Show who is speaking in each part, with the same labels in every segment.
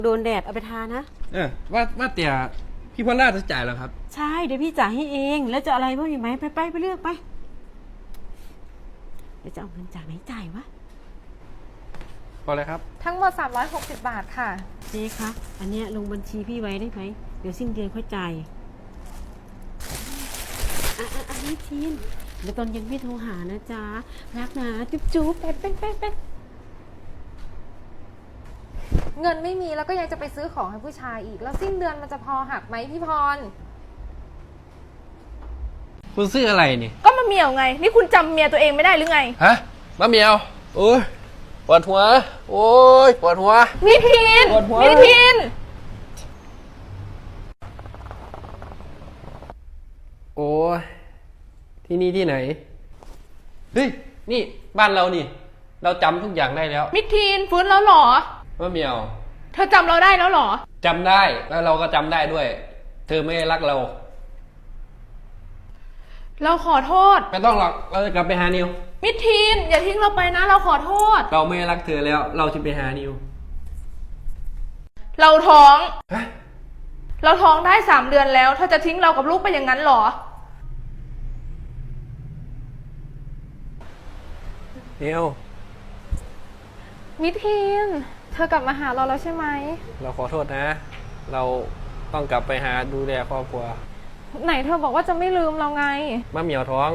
Speaker 1: โดนแดดเอาไปทานะ
Speaker 2: ว่าแต่พี่พอลล่าจะจ่ายแล้วครับ
Speaker 1: ใช่เดี๋ยวพี่จ่ายให้เองแล้วจะอะไรบ้างอีกไหมไปเลือกไปเดี๋ยวจะเอาเงินจากไหนจ่ายวะ
Speaker 2: พอเลยครับ
Speaker 3: ทั้งหมด360 บาทค่ะ
Speaker 1: เจ๊คะอันเนี้ยลงบัญชีพี่ไว้ได้ไหมเดี๋ยวสิ้นเดือนค่อยจ่ายอันนี้ทีนเดี๋ยวตอนเย็นพี่โทรหานะจ๊ะรักนะจุ๊บไป
Speaker 3: เงินไม่มีแล้วก็ยังจะไปซื้อของให้ผู้ชายอีกแล้วสิ้นเดือนมันจะพอหักไหมพี่พร
Speaker 2: คุณซื้ออะไรนี่
Speaker 3: ก็มะเหมี่ยวไงนี่คุณจำเมียตัวเองไม่ได้หรือไง
Speaker 2: ฮะมะเหมี่ยวโอ้ยปวดหัวโอ้ยปวดหัว
Speaker 3: มิทินมิทิน
Speaker 2: โอ้ยที่นี่ที่ไหนเฮ้ยนี่บ้านเรานี่เราจำทุกอย่างได้แล้ว
Speaker 3: มิทินฟื้นแล้วหรอ
Speaker 2: มะเหมี่ยว
Speaker 3: เธอจำเราได้แล้วหรอ
Speaker 2: จำได้แล้วเราก็จำได้ด้วยเธอไม่รักเรา
Speaker 3: ขอโทษ
Speaker 2: ไม่ต้องหรอกเราจะกลับไปหานิว
Speaker 3: มิทินอย่าทิ้งเราไปนะเราขอโทษ
Speaker 2: เราไม่รักเธอแล้วเราจะไปหานิว
Speaker 3: เราท้องเราท้องได้3 เดือนแล้วเธอจะทิ้งเรากับลูกไปอย่างนั้นหรอ
Speaker 2: นิว
Speaker 3: มิทินเธอกลับมาหาเราแล้วใช่ไหม
Speaker 2: เราขอโทษนะเราต้องกลับไปหาดูแลครอบครัว
Speaker 3: ไหนเธอบอกว่าจะไม่ลืมเราไง
Speaker 2: มะเหมี่ยวท้อง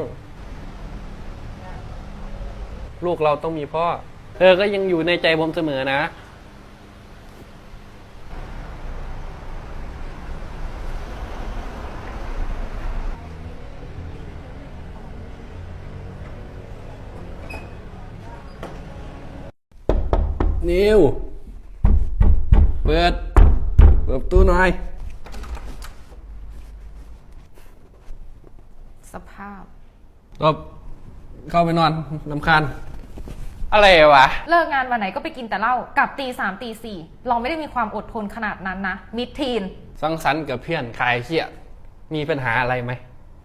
Speaker 2: ลูกเราต้องมีพ่อเธอก็ยังอยู่ในใจผมเสมอนะนิวเปิดประตูหน่อย
Speaker 3: สภาพ
Speaker 2: เข้าไปนอนรำคาญอะไรวะ
Speaker 3: เลิกงานวันไหนก็ไปกินแต่เหล้ากลับตี 3 ตี 4เราไม่ได้มีความอดทนขนาดนั้นนะมิดทีน
Speaker 2: สังสรรค์กับเพื่อนคลายเครียดมีปัญหาอะไรไหม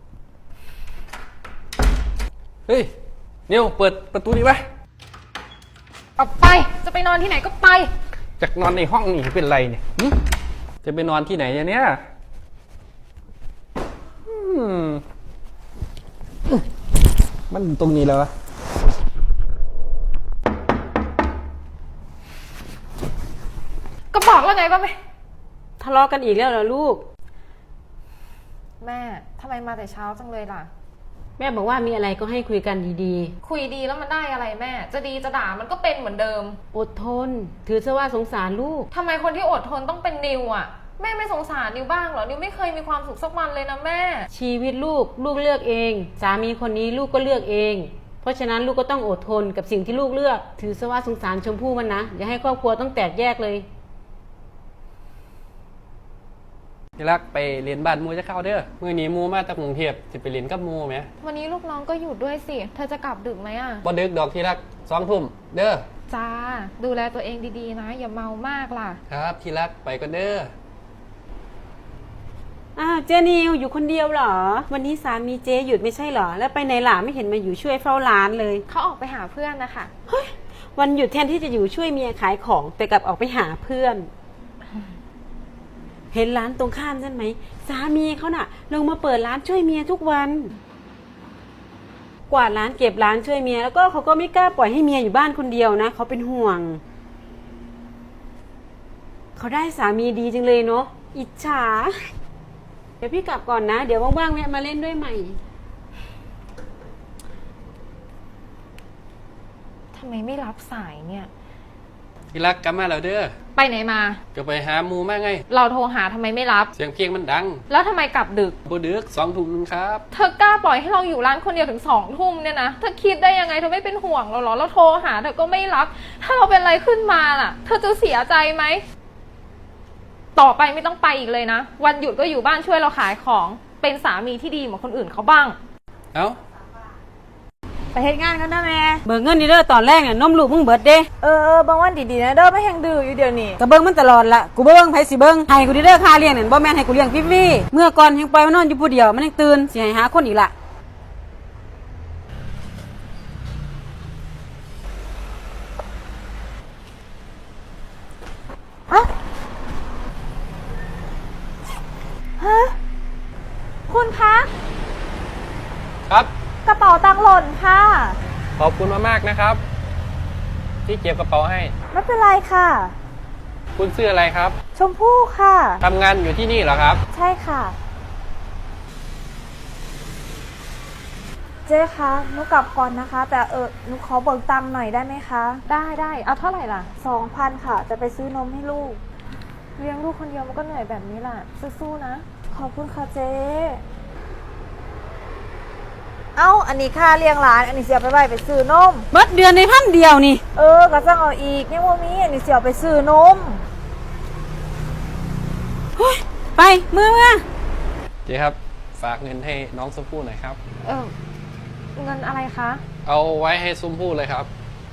Speaker 2: เฮ้ยนิวเปิดประตูดีไหม
Speaker 3: ออกไปจะไปนอนที่ไหนก็ไป
Speaker 2: จากนอนในห้องนี่เป็นไรเนี่ยจะไปนอนที่ไหนเนี่ยมันตรงนี้แล้ววะ
Speaker 3: ก็บอกแล้วไงว่าไม่
Speaker 1: ทะเลาะกันอีกแล้วเหรอลูก
Speaker 3: แม่ทำไมมาแต่เช้าจังเลยล่ะ
Speaker 1: แม่บอกว่ามีอะไรก็ให้คุยกันดี
Speaker 3: ๆคุยดีแล้วมันได้อะไรแม่จะดีจะด่ามันก็เป็นเหมือนเดิม
Speaker 1: อดทนถือซะว่าสงสารลูก
Speaker 3: ทำไมคนที่อดทนต้องเป็นนิวอ่ะแม่ไม่สงสารนิวบ้างเหรอนิวไม่เคยมีความสุขสักวันเลยนะแม่
Speaker 1: ชีวิตลูกเลือกเองสามีคนนี้ลูกก็เลือกเองเพราะฉะนั้นลูกก็ต้องอดทนกับสิ่งที่ลูกเลือกถือซะว่าสงสารชมพู่มันนะอย่าให้ครอบครัวต้องแตกแยกเลย
Speaker 2: ที่รักไปเรียนบ้านมูจะเข้าเด้อมื่อนี้มูมาจากกรุงเทพจะไปเรียนกับมูไหม
Speaker 3: วันนี้ลูกน้องก็หยุดด้วยสิเธอจะกลับดึกไหมอ่ะ
Speaker 2: บ่ดึกดอกที่รัก2 ทุ่มเด้อ
Speaker 3: จ้าดูแลตัวเองดีๆนะอย่าเมามากล่ะ
Speaker 2: ครับที่รักไปก็เด้อ
Speaker 1: เจนิวอยู่คนเดียวเหรอวันนี้สามีเจหยุดไม่ใช่เหรอแล้วไปไหนล่ะไม่เห็นมาอยู่ช่วยเฝ้าร้านเลย
Speaker 3: เขาออกไปหาเพื่อนนะคะ
Speaker 1: เฮ้ยวันหยุดแทนที่จะอยู่ช่วยเมียขายของแต่กลับออกไปหาเพื่อนเห็นร้านตรงข้ามใช่ไหมสามีเขาน่ะลงมาเปิดร้านช่วยเมียทุกวันกวาดร้านเก็บร้านช่วยเมียแล้วก็เขาก็ไม่กล้าปล่อยให้เมียอยู่บ้านคนเดียวนะเขาเป็นห่วงเขาได้สามีดีจังเลยเนาะอิจฉาเดี๋ยวพี่กลับก่อนนะเดี๋ยวว่างๆแวะมาเล่นด้วยใหม่
Speaker 3: ทำไมไม่รับสายเนี่ย
Speaker 2: ที่รักกลับมาแล้วเด้อ
Speaker 3: ไปไหนมา
Speaker 2: ก็ไปหามูมาไง
Speaker 3: เราโทรหาทำไมไม่รับ
Speaker 2: เสียงเพลงมันดัง
Speaker 3: แล้วทำไมกลับดึก
Speaker 2: บ่ดึก2 ทุ่มครับ
Speaker 3: เธอกล้าปล่อยให้เราอยู่ร้านคนเดียวถึง2 ทุ่มเนี่ยนะเธอคิดได้ยังไงเธอไม่เป็นห่วงเราหรอเราโทรหาเธอก็ไม่รับถ้าเราเป็นอะไรขึ้นมาล่ะเธอจะเสียใจไหมต่อไปไม่ต้องไปอีกเลยนะวันหยุดก็อยู่บ้านช่วยเราขายของเป็นสามีที่ดีเหมือนคนอื่นเขาบ้าง
Speaker 2: เอ้า
Speaker 1: ไปเฮ็ดงานกันนะแม่เบิกเงินนี่เด้อตอนแรกเนี่ยนมลูกมึงเบิดเด้
Speaker 3: บางวันดีๆนะเด้อไม่แห้งดื้ออยู่เดี๋ยวนี้
Speaker 1: ก็เบิ่งมันตลอดละกูบ่เบิ่งไผสิเบิ่งให้กูเด้อค่าเลี้ยงนั่นบ่แม่นให้กูเลี้ยงฟรีๆเมื่อก่อนแฮงปล่อยมันนอนอยู่ผู้เดียวมันยังตื่นสิให้หาคนอีกล่ะ
Speaker 4: าตังค์หล่นค่ะ
Speaker 2: ขอบคุณมากๆนะครับ ที่เก็บกระเป๋าให้
Speaker 4: ไม่เป็นไรค่ะ
Speaker 2: คุณชื่ออะไรครับ
Speaker 4: ชมพู่ค่ะ
Speaker 2: ทำงานอยู่ที่นี่เหรอครับ
Speaker 4: ใช่ค่ะ เจ๊คะหนูกลับก่อนนะคะ แต่หนูขอเบิกตังค์หน่อยได้ไหมคะ
Speaker 3: ได้เอาเท่าไหร่ล่ะ
Speaker 4: 2,000ค่ะ จะไปซื้อนมให้ลูก
Speaker 3: เลี้ยงลูกคนเดียวมันก็เหนื่อยแบบนี้แหละสู้ๆนะ
Speaker 4: ขอบคุณค่ะเจ๊เอ้า อันนี้ค่าเลี้ยงหลาน อันนี้เสียไปไว้ไปซื้อนม
Speaker 1: เบิดเดือนใน1,000เดียวนี่
Speaker 4: ก็จะเอาอีกเนี่ยว่ามีอันนี้เสียไปซื้อนม
Speaker 1: ไปเมื่อ
Speaker 2: เจ๊ครับ ฝากเงินให้น้องชมพู่หน่อยครับ
Speaker 3: เงินอะไรคะ
Speaker 2: เอาไว้ให้ชมพู่เลยครับ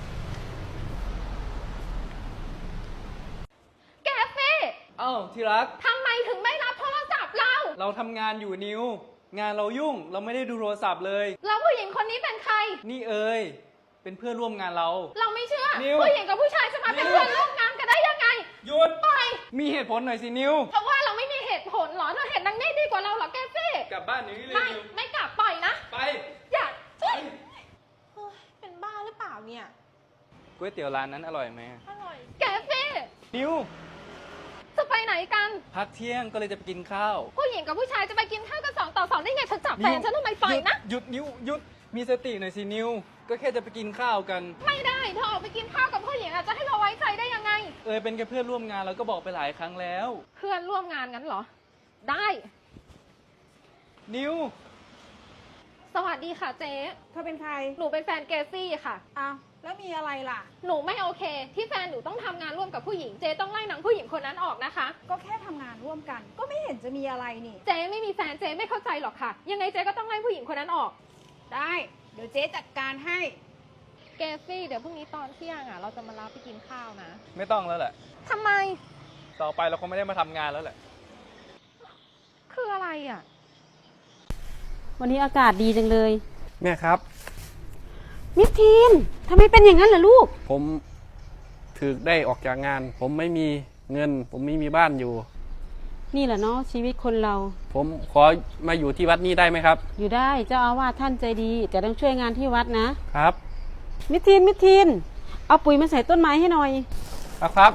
Speaker 3: แกฟี่
Speaker 5: เอ้าที่รัก
Speaker 3: ทำไมถึงไม่รับโทรศัพท์เรา
Speaker 5: เราทำงานอยู่นิว งานเรายุ่ง เราไม่ได้ดูโทรศัพท์เลย
Speaker 3: แล้วผู้หญิงคนนี้เป็นใคร
Speaker 5: นี่เอ๋ยเป็นเพื่อนร่วมงานเรา
Speaker 3: เราไม่เชื่อ
Speaker 5: นิว
Speaker 3: ผู้หญิงกับผู้ชายจะมาเป็น
Speaker 5: นิว
Speaker 3: เพื่อนร่วมงานกันได้ยังไง
Speaker 5: หยุด
Speaker 3: ปล่อย
Speaker 5: มีเหตุผลหน่อยสินิว
Speaker 3: เพราะว่าเราไม่มีเหตุผลเหรอเธอเห็นนางนี่ดีกว่าเราเหรอแกฟี่
Speaker 5: กลับบ้านหนี้เลย
Speaker 3: ไม่
Speaker 5: นิว
Speaker 3: ไม่กลับปล่อยนะ
Speaker 5: ไป
Speaker 3: อย่าเฮ้ย
Speaker 4: เป็นบ้าหรือเปล่าเนี่ย
Speaker 5: ก๋วยเตี๋ยวร้านนั้นอร่อยไหม
Speaker 4: อร่อย
Speaker 3: แกฟี่
Speaker 5: นิว
Speaker 3: จะไปไหนกัน
Speaker 5: พักเที่ยงก็เลยจะไปกินข้าว
Speaker 3: ผู้หญิงกับผู้ชายจะไปกินข้าวกัน2 ต่อ 2ได้ไงเธอจับแฟนฉันทำไมปล่อยนะ
Speaker 5: หยุดนิวหยุด มีสติหน่อยสินิว ก็แค่จะไปกินข้าวกัน
Speaker 3: ไม่ได้เธอออกไปกินข้าวกับผู้หญิงอะจะให้เราไว้ใจได้ยังไง
Speaker 5: เอ๋ยเป็นแค่เพื่อนร่วมงานเราก็บอกไปหลายครั้งแล้ว
Speaker 3: เพื่อนร่วมงานงั้นเหรอ ได้
Speaker 5: นิว
Speaker 3: สวัสดีค่ะเจ๊
Speaker 4: เธอเป็นใคร
Speaker 3: หนูเป็นแฟนเกซี่ค่ะ
Speaker 4: อ้าว แล้วมีอะไรล่ะ
Speaker 3: หนูไม่โอเค ที่แฟนหนูต้องทำงานร่วมกับผู้หญิง เจ๊ต้องไล่นางผู้หญิงคนนั้นออกนะคะ
Speaker 4: ก็แค่ทำงานร่วมกัน ก็ไม่เห็นจะมีอะไรนี่
Speaker 3: เจ๊ไม่มีแฟนเจ๊ไม่เข้าใจหรอกค่ะ ยังไงเจ๊ก็ต้องไล่ผู้หญิงคนนั้นออก
Speaker 4: ได้ เดี๋ยวเจ๊จัดการให้
Speaker 3: เกซี่เดี๋ยวพรุ่งนี้ตอนเที่ยงอะเราจะมารับไปกินข้าวนะ
Speaker 5: ไม่ต้องแล้วแหละ
Speaker 3: ทำไม
Speaker 5: ต่อไปเราคงไม่ได้มาทำงานแล้วแหละ
Speaker 3: คืออะไรอะ
Speaker 1: วันนี้อากาศดีจังเลย
Speaker 2: แม่ครับ
Speaker 1: มิสทีนทำไมเป็นอย่างนั้นล่ะลูก
Speaker 2: ผมถึกได้ออกจากงาน ผมไม่มีเงิน ผมไม่มีบ้านอยู่
Speaker 1: นี่แหละเนาะชีวิตคนเรา
Speaker 2: ผมขอมาอยู่ที่วัดนี้ได้ไหมครับ
Speaker 1: อยู่ได้เจ้าอาวาสท่านใจดี แต่ต้องช่วยงานที่วัดนะ
Speaker 2: ครับ
Speaker 1: มิสทีนเอาปุ๋ยมาใส่ต้นไม้ให้หน่อย
Speaker 2: ครับ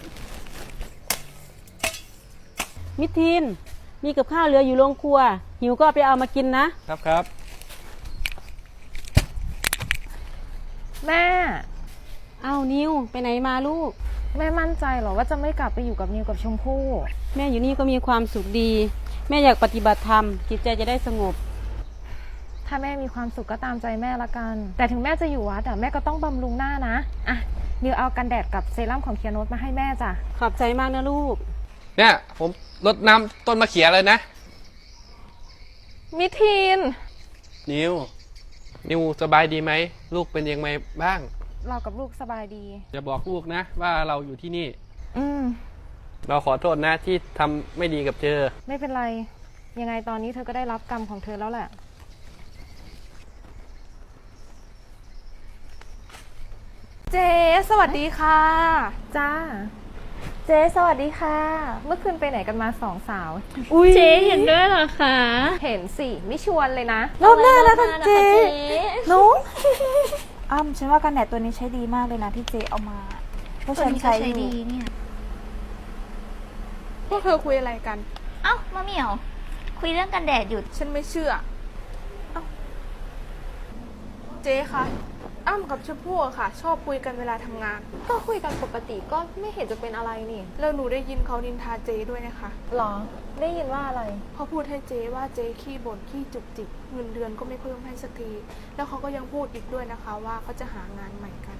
Speaker 1: มิสทีนมีกับข้าวเหลืออยู่โรงครัว หิวก็เอาไปเอามากินนะ
Speaker 2: ครับ
Speaker 3: แม่
Speaker 1: เอานิวไปไหนมาลูก
Speaker 3: แม่มั่นใจเหรอว่าจะไม่กลับไปอยู่กับนิวกับชมพู่
Speaker 1: แม่อยู่นี่ก็มีความสุขดี แม่อยากปฏิบัติธรรมจิตใจจะได้สงบ
Speaker 3: ถ้าแม่มีความสุขก็ตามใจแม่ละกัน แต่ถึงแม่จะอยู่วัดอะแม่ก็ต้องบำรุงหน้านะอ่ะนิวเอากันแดดกับเซรั่มของเคียโนตมาให้แม่จ้ะ
Speaker 1: ขอบใจมากนะลูก
Speaker 2: เนี่ยผมรดน้ำต้นมะเขือเลยนะ
Speaker 3: มิทีน
Speaker 2: นิวสบายดีไหม ลูกเป็นยังไงบ้าง
Speaker 3: เรากับลูกสบายดี
Speaker 2: อย่าบอกลูกนะ ว่าเราอยู่ที่นี่
Speaker 3: อืม
Speaker 2: เราขอโทษนะที่ทำไม่ดีกับเธอ
Speaker 3: ไม่เป็นไร ยังไงตอนนี้เธอก็ได้รับกรรมของเธอแล้วแหละ
Speaker 4: เจ๊สวัสดีค่ะ
Speaker 3: จ้า
Speaker 4: เจ๊สวัสดีค่ะ
Speaker 3: เมื่อคืนไปไหนกันมา2 สาว
Speaker 1: เจ๊เห็นด้วยเหรอคะ
Speaker 3: เห็นสิ ไม่ชวนเลยนะ
Speaker 4: รอบหน้านะคะเจ๊หนุอ้ำฉันว่ากันแดดตัวนี้ใช้ดีมากเลยนะที่เจ๊เอามาเพราะฉันใช้อยู่
Speaker 6: พวกเธอคุยอะไรกัน
Speaker 7: เอ้ามะเหมี่ยว คุยเรื่องกันแดดอยู่
Speaker 6: ฉันไม่เชื่อ เอ้า เจ๊คะ อ้ำกับชมพู่อะค่ะ ชอบคุยกันเวลาทำงาน
Speaker 3: ก็คุยกันปกติก็ไม่เห็นจะเป็นอะไรนี่
Speaker 6: แล้วหนูได้ยินเขานินทาเจ๊ด้วยนะคะ
Speaker 3: หรอ ได้ยินว่าอะไร
Speaker 6: เขาพูดให้เจ๊ว่าเจ๊ขี้บ่นขี้จุกจิกเงินเดือนก็ไม่เพิ่มให้สักที แล้วเขาก็ยังพูดอีกด้วยนะคะ ว่าเขาจะหางานใหม่กัน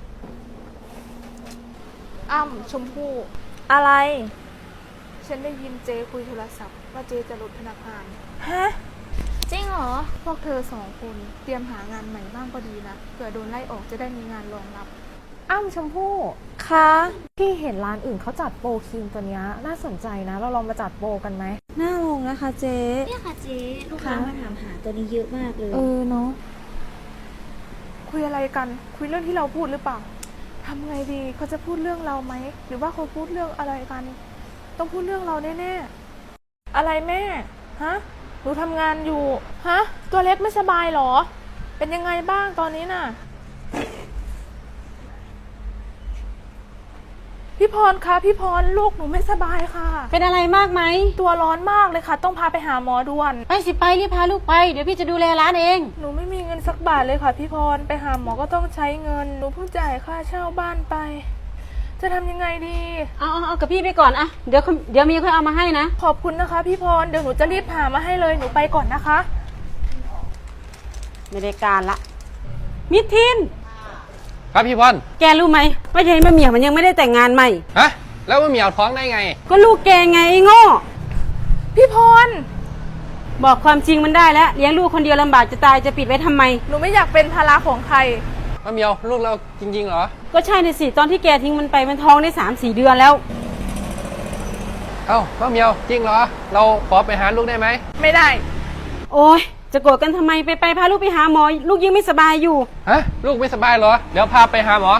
Speaker 6: อ้ำชมพู่
Speaker 4: อะไร
Speaker 6: ฉันได้ยินเจ๊คุยโทรศัพท์ว่าเจ๊จะลดพนักงาน
Speaker 4: ฮะ
Speaker 7: จริงเหรอ
Speaker 6: พวกเธอ2 คนเตรียมหางานใหม่บ้างก็ดีนะ เผื่อโดนไล่ออกจะได้มีงานรองรับ
Speaker 3: อ้ำชมพู่
Speaker 4: คะ
Speaker 3: พี่เห็นร้านอื่นเขาจัดโปรครีมตัวเนี้ยน่าสนใจนะ เราลองมาจัดโปรกันไหม
Speaker 4: น่าลงนะคะเจ๊
Speaker 7: เนี่ยค่ะเจ๊ลูกค้ามาถามหาตัวนี้เยอะมากเลย
Speaker 3: เนาะ
Speaker 6: คุยอะไรกัน คุยเรื่องที่เราพูดหรือเปล่าทำไงดีเขาจะพูดเรื่องเราไหม หรือว่าเขาพูดเรื่องอะไรกัน ต้องพูดเรื่องเราแน่ๆ อะไรแม่ ฮะ หนูทำงานอยู่ ฮะ ตัวเล็กไม่สบายเหรอเป็นยังไงบ้างตอนนี้น่ะ พี่พรคะพี่พรลูกหนูไม่สบายค่ะ
Speaker 1: เป็นอะไรมากไหม
Speaker 6: ตัวร้อนมากเลยค่ะ ต้องพาไปหาหมอด่วน
Speaker 1: ไปสิไปรีบพาลูกไปเดี๋ยวพี่จะดูแลร้านเอง
Speaker 6: หนูไม่มีเงินสักบาทเลยค่ะพี่พรไปหาหมอก็ต้องใช้เงิน หนูเพิ่งจ่ายค่าเช่าบ้านไป จะทำยังไงดี
Speaker 1: เอากับพี่ไปก่อนอะเดี๋ยวมีค่อยเอามาให้นะ
Speaker 6: ขอบคุณนะคะพี่พรเดี๋ยวหนูจะรีบหามาให้เลยหนูไปก่อนนะคะ
Speaker 1: ไม่ได้การละ มิทิน
Speaker 2: ครับพี่พร
Speaker 1: แกรู้ไหมว่ายายมะเหมี่ยวมันยังไม่ได้แต่งงานใหม่
Speaker 2: ฮะ แล้วว่าเหมียวท้องได้ไง
Speaker 1: ก็ลูกแกไงไอ้โง่
Speaker 6: พี่พร
Speaker 1: บอกความจริงมันได้แล้วเลี้ยงลูกคนเดียวลำบากจะตายจะปิดไว้ทำไม
Speaker 6: หนูไม่อยากเป็นภาระของใคร
Speaker 2: มะเหมียวลูกเราจริงๆเหรอ
Speaker 1: ก็ใช่ในสิตอนที่แกทิ้งมันไปมันท้องได้3-4 เดือนแล้ว
Speaker 2: เอ้ามะเหมียวจริงเหรอ เราขอไปหาลูกได้ไหม
Speaker 6: ไม่ได้
Speaker 1: โอ้ยจะโกรธกันทำไมไปพาลูกไปหาหมอ ลูกยังไม่สบายอยู่
Speaker 2: ฮะ ลูกไม่สบายเหรอ เดี๋ยวพาไปหาหมอ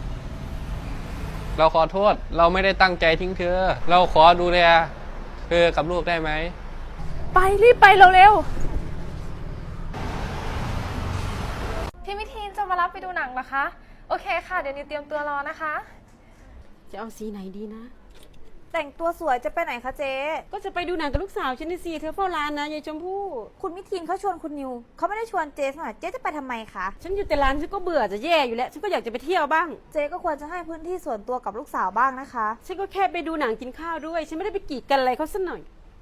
Speaker 2: เราขอโทษ เราไม่ได้ตั้งใจทิ้งเธอ เราขอดูแลเธอกับลูกได้ไหม
Speaker 6: ไปรีบไปเร็ว
Speaker 3: พี่มิทีนจะมารับไปดูหนังเหรอคะ โอเคค่ะ เดี๋ยวนิวเตรียมตัวรอนะคะ
Speaker 1: จะเอาสีไหนดีนะ
Speaker 4: แต่งตัวสวยจะไปไหนคะเจ๊
Speaker 1: ก็จะไปดูหนังกับลูกสาวฉันนี่สิเธอเฝ้าร้านนะยายชมพู่
Speaker 4: คุณมิทินเขาชวนคุณนิวเขาไม่ได้ชวนเจ๊สักหน่อยเจ๊จะไปทำไมคะ
Speaker 1: ฉันอยู่แต่ร้านฉันก็เบื่อจะแย่อยู่แล้วฉันก็อยากจะไปเที่ยวบ้าง
Speaker 4: เจ๊ก็ควรจะให้พื้นที่ส่วนตัวกับลูกสาวบ้างนะคะ
Speaker 1: ฉันก็แค่ไปดูหนังกินข้าวด้วย ฉันไม่ได้ไปกีดกันอะไรเขาสักหน่อย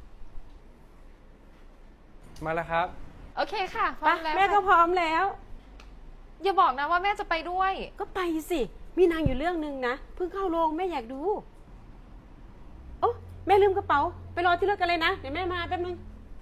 Speaker 2: มาแล้วครับ
Speaker 3: โอเคค่ะพ
Speaker 1: ไป
Speaker 3: ร้อมแล้ว
Speaker 1: แม่ก็
Speaker 3: ค่ะ
Speaker 1: พร้อมแล้ว
Speaker 3: อย่าบอกนะว่าแม่จะไปด้วย
Speaker 1: ก็ไปสิมีหนางอยู่เรื่องนึงนะเพิ่งเข้าโรงแม่อยากดูโอ้แม่ลืมกระเป๋าไปรอที่รถกันเลยนะเดี๋ยวแม่มาแป๊บนึง